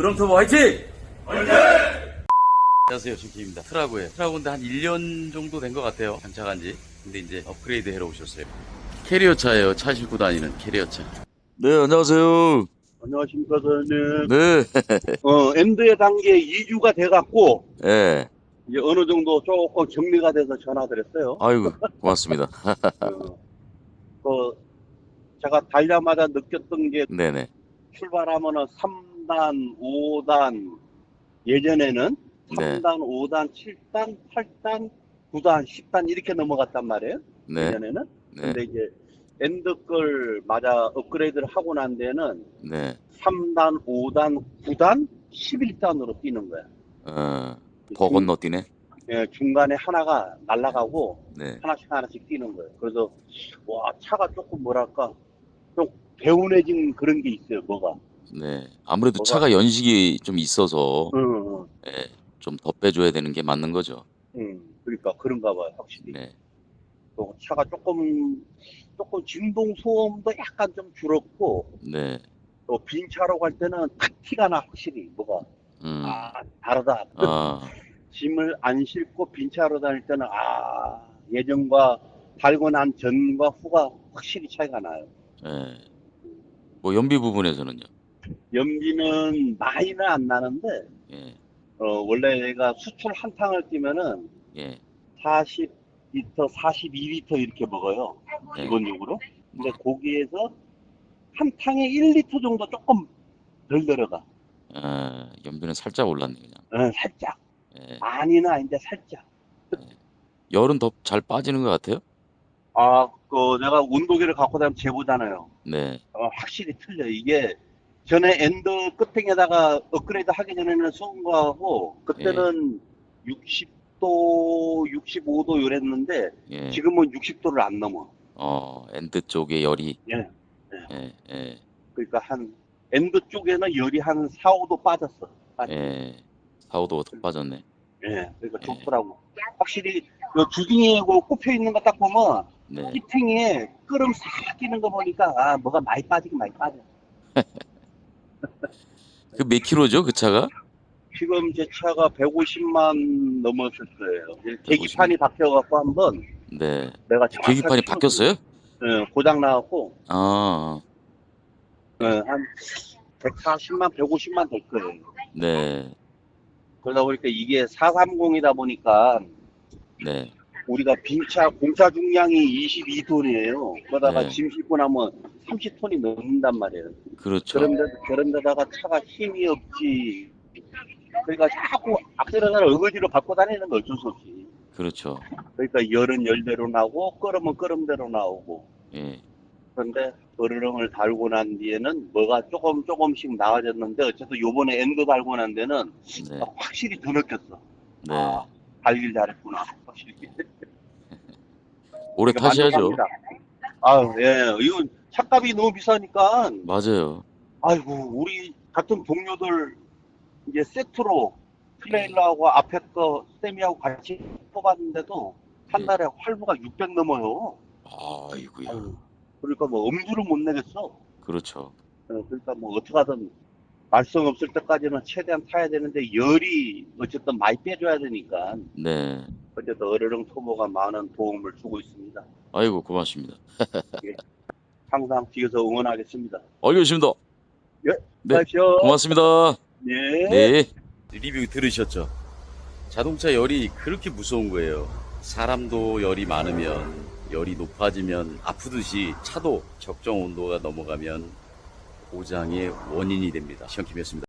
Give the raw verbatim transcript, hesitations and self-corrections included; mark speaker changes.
Speaker 1: 여름터보 화이팅! 화이팅! 안녕하세요, 신키입니다. 트라고에 트라고인데 한 일 년 정도 된 것 같아요, 장착한 지. 근데 이제 업그레이드 해러 오셨어요. 캐리어 차예요. 차 싣고 다니는 캐리어 차. 네, 안녕하세요.
Speaker 2: 안녕하십니까, 선생님.
Speaker 1: 네.
Speaker 2: 어, 엔드의 단계 이 주가 돼갖고,
Speaker 1: 네.
Speaker 2: 이제 어느 정도 조금 정리가 돼서 전화드렸어요.
Speaker 1: 아이고, 고맙습니다.
Speaker 2: 어, 그, 제가 달려마다 느꼈던 게,
Speaker 1: 네네.
Speaker 2: 출발하면은 삼 단, 오 단, 예전에는
Speaker 1: 네.
Speaker 2: 삼 단, 오 단, 칠 단, 팔 단, 구 단, 십 단 이렇게 넘어갔단 말이에요.
Speaker 1: 네.
Speaker 2: 예전에는.
Speaker 1: 네.
Speaker 2: 근데 이제, 엔드 걸 맞아 업그레이드를 하고 난 데는
Speaker 1: 네.
Speaker 2: 삼 단, 오 단, 구 단, 십일 단으로 뛰는 거야.
Speaker 1: 어, 더 건너뛰네.
Speaker 2: 예, 중간에 하나가 날아가고
Speaker 1: 네.
Speaker 2: 하나씩 하나씩 뛰는 거예요. 그래서 와, 차가 조금 뭐랄까 좀 개운해진 그런 게 있어요. 뭐가?
Speaker 1: 네. 아무래도
Speaker 2: 뭐가?
Speaker 1: 차가 연식이 좀 있어서,
Speaker 2: 응, 응,
Speaker 1: 예, 좀 더 빼줘야 되는 게 맞는 거죠.
Speaker 2: 응. 그러니까 그런가 봐요, 확실히.
Speaker 1: 네.
Speaker 2: 또 차가 조금 조금 진동 소음도 약간 좀 줄었고,
Speaker 1: 네.
Speaker 2: 또 빈 차로 갈 때는 탁 티가 나 확실히 뭐가
Speaker 1: 음.
Speaker 2: 아 다르다.
Speaker 1: 아,
Speaker 2: 짐을 안 싣고 빈 차로 다닐 때는 아 예전과 달고 난 전과 후가 확실히 차이가 나요.
Speaker 1: 예. 뭐 연비 부분에서는요.
Speaker 2: 연비는 많이는 안 나는데
Speaker 1: 예.
Speaker 2: 어, 원래 얘가 수출 한 탕을 뛰면은
Speaker 1: 예.
Speaker 2: 사십 리터, 사십이 리터 이렇게 먹어요.
Speaker 1: 네.
Speaker 2: 기본적으로. 근데 거기에서 한 탕에 일 리터 정도 조금 덜 들어가.
Speaker 1: 아, 연비는 살짝 올랐네 그냥.
Speaker 2: 어, 살짝.
Speaker 1: 예.
Speaker 2: 많이는 아닌데 살짝.
Speaker 1: 열은 더 잘 빠지는 것 같아요.
Speaker 2: 아, 그 내가 온도계를 갖고 다니면 재보잖아요.
Speaker 1: 네.
Speaker 2: 어, 확실히 틀려. 이게 전에 엔드 끝에다가 업그레이드 하기 전에는 쏜 거하고 그때는 육십 도, 육십오 도 이랬는데
Speaker 1: 예.
Speaker 2: 지금은 육십 도를 안 넘어.
Speaker 1: 어, 엔드 쪽에 열이.
Speaker 2: 예.
Speaker 1: 예. 예.
Speaker 2: 그러니까 한 엔드 쪽에는 열이 한 사, 오 도 빠졌어. 빠졌어.
Speaker 1: 예. 사, 오 도가 더 빠졌네.
Speaker 2: 예. 그러니까
Speaker 1: 예.
Speaker 2: 좋더라고. 확실히 요 주둥이에 그 꼽혀 있는 거 딱 보면
Speaker 1: 네.
Speaker 2: 히팅에 끄름 싹 끼는 거 보니까 아 뭐가 많이 빠지긴 많이 빠져.
Speaker 1: 그 몇 킬로죠, 그 차가?
Speaker 2: 지금 제 차가 백오십만 넘었을 거예요. 계기판이
Speaker 1: 백오십만.
Speaker 2: 바뀌어갖고 한번
Speaker 1: 네.
Speaker 2: 내가
Speaker 1: 계기판이 바뀌었어요?
Speaker 2: 예, 고장 나갖고
Speaker 1: 아,
Speaker 2: 예, 한 백사십만, 백오십만 될 거예요.
Speaker 1: 네.
Speaker 2: 그러다 보니까 이게 사백삼십이다 보니까
Speaker 1: 네.
Speaker 2: 우리가 빈차 공차 중량이 이십이 톤이에요. 그러다가
Speaker 1: 네.
Speaker 2: 짐 싣고 나면 삼십 톤이 넘는단 말이에요.
Speaker 1: 그렇죠.
Speaker 2: 그런데 그런데다가 차가 힘이 없지. 그러니까 자꾸 악셀러를 어거지로 밟고 다니는 거 어쩔 수 없이.
Speaker 1: 그렇죠.
Speaker 2: 그러니까 열은 열대로 나오고 끓으면 끓음대로 나오고.
Speaker 1: 예.
Speaker 2: 그런데 어르렁을 달고 난 뒤에는 뭐가 조금 조금씩 나아졌는데 어쨌든 요번에 엔드 달고 난 데는
Speaker 1: 네.
Speaker 2: 확실히 더 느꼈어.
Speaker 1: 네.
Speaker 2: 아, 달길 잘했구나. 확실히.
Speaker 1: 오래 타셔야죠.
Speaker 2: 아, 예. 이건 차값이 너무 비싸니까.
Speaker 1: 맞아요.
Speaker 2: 아이고, 우리 같은 동료들 이제 세트로 트레일러하고 앞에 거 세미하고 같이 뽑았는데도 한
Speaker 1: 네.
Speaker 2: 달에 활부가 육백 넘어요.
Speaker 1: 아이고야.
Speaker 2: 아유, 그러니까 뭐 엄두를 못 내겠어.
Speaker 1: 그렇죠.
Speaker 2: 어, 그러니까 뭐 어떡하든 말썽 없을 때까지는 최대한 타야 되는데 열이 어쨌든 많이 빼줘야 되니까
Speaker 1: 네.
Speaker 2: 어쨌든 어르렁 토모가 많은 도움을 주고 있습니다.
Speaker 1: 아이고, 고맙습니다.
Speaker 2: 예. 항상 뒤에서 응원하겠습니다.
Speaker 1: 알겠습니다.
Speaker 2: 예,
Speaker 1: 네.
Speaker 2: 가시오.
Speaker 1: 고맙습니다.
Speaker 2: 네.
Speaker 1: 네. 리뷰 들으셨죠? 자동차 열이 그렇게 무서운 거예요. 사람도 열이 많으면, 열이 높아지면 아프듯이 차도 적정 온도가 넘어가면 고장의 원인이 됩니다. 시험킴이었습니다.